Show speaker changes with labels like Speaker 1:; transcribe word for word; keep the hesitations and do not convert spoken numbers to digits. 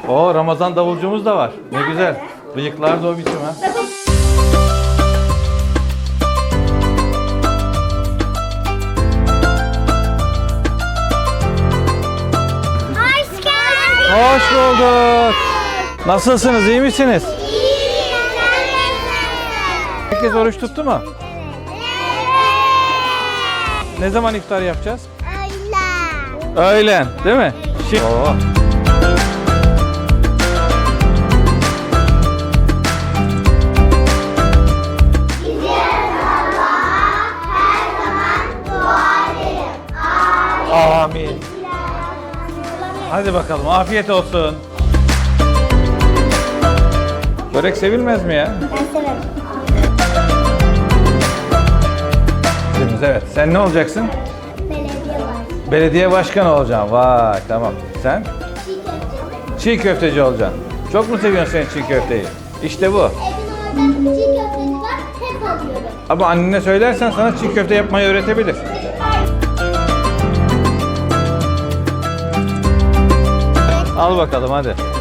Speaker 1: Oo, Ramazan davulcumuz da var. Ne güzel. Bıyıklar da o biçim ha.
Speaker 2: Hoş geldin.
Speaker 1: Hoş bulduk. Nasılsınız? İyi misiniz? Herkes oruç tuttu mu? Ne zaman iftar yapacağız?
Speaker 2: Öyle.
Speaker 1: Öğlen, değil mi? Şimdi... Oo. Amin. Hadi bakalım, afiyet olsun. Börek sevilmez mi ya?
Speaker 2: Ben severim.
Speaker 1: Evet, sen ne olacaksın?
Speaker 2: Belediye var.
Speaker 1: Belediye başkanı olacaksın. Vay, tamam. Sen?
Speaker 2: Çiğ köfteci.
Speaker 1: Çiğ köfteci olacaksın. Çok mu seviyorsun sen çiğ köfteyi? İşte bu.
Speaker 2: Evin orada çiğ köfteci var. Hep alıyorum.
Speaker 1: Ama annene söylersen sana çiğ köfte yapmayı öğretebilir. Al bakalım hadi.